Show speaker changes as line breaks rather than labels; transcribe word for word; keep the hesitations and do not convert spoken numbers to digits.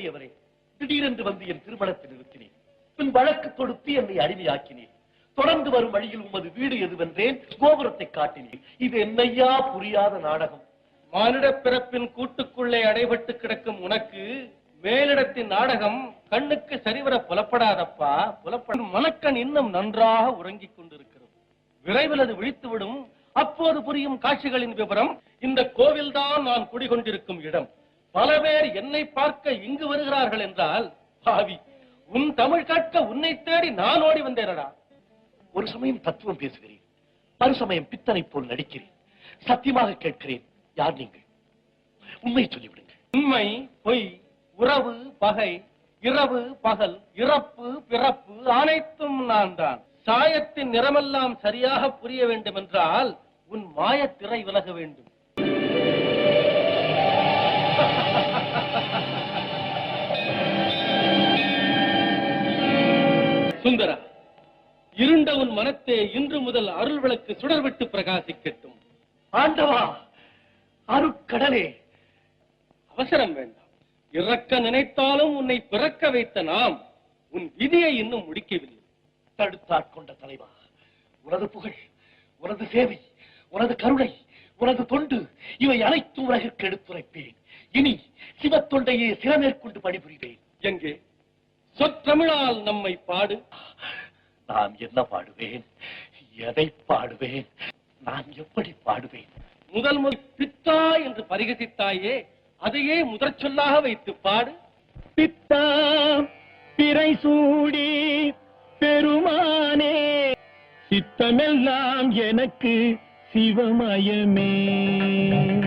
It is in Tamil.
பெரியவரே, திடீரென்று வந்து என் திருமணத்தில் நிறுத்தினேன். பின் வழக்கு தொடுத்து என்னை அடிமையாக்கினேன். தொடர்ந்து வரும் வழியில் உமது வீடு எதுவென்றேன், கோபுரத்தை காட்டினேன். இது என்னையா புரியாத நாடகம்?
மானிட பிறப்பின் கூட்டுக்குள்ளே அடைபட்டு கிடக்கும் உனக்கு மேலிடத்தின் நாடகம் கண்ணுக்கு சரிவர புலப்படாதப்பா. புலப்படும் மனக்கண் இன்னும் நன்றாக உறங்கிக் கொண்டிருக்கிறது. விரைவில் அது விழித்துவிடும். அப்போது புரியும் காட்சிகளின் விவரம். இந்த கோவில்தான் நான் குடிகொண்டிருக்கும் இடம். பல பேர் என்னை பார்க்க இங்கு வருகிறார்கள் என்றால், பாவி, உன் தமிழ் கேட்க உன்னை தேடி நான் ஓடி வந்தேனடா.
ஒரு சமயம் தத்துவம் பேசுகிறேன், மறுசமயம் பித்தனை போல் நடிக்கிறேன். சத்தியமாக கேட்கிறேன், யார் நீங்கள்? உண்மை சொல்லிவிடுங்க.
உண்மை, பொய், உறவு, பகை, இரவு, பகல், இறப்பு, பிறப்பு அனைத்தும் நான் தான். சாயத்தின் நிறமெல்லாம் சரியாக புரிய வேண்டும் என்றால் உன் மாயத்திரை விலக வேண்டும். சுந்தரா, இருண்ட உன் மனத்தே இன்று முதல் அருள் விளக்கு சுடர்விட்டு பிரகாசிக்கட்டும்.
ஆண்டவா, அருட்கடலே,
அவசரம் வேண்டாம். இறக்க நினைத்தாலும் உன்னை பிறக்க வைத்த நாம் உன் விதியை இன்னும் முடிக்கவில்லை.
தடுத்தாட்கொண்ட தலைவா, உனது புகழ், உனது சேவை, உனது கருணை, உனது தொண்டு இவை அனைத்தும் உலகிற்கு எடுத்துரைப்பேன். இனி சிவத்தொண்டையே சிறமேற்கொண்டு பணிபுரிவேன்.
எங்கே சொற்றமிழால் நம்மை பாடு.
நான் என்ன பாடுவேன்? எதை பாடுவேன்? நான் எப்படி பாடுவேன்?
முதல் முதல் பித்தா என்று பரிகசித்தாயே, அதையே முதற் சொல்லாக வைத்து பாடு.
பித்தா பிறை சூடி பெருமானே, சித்தமெல்லாம் எனக்கு சிவமயமே.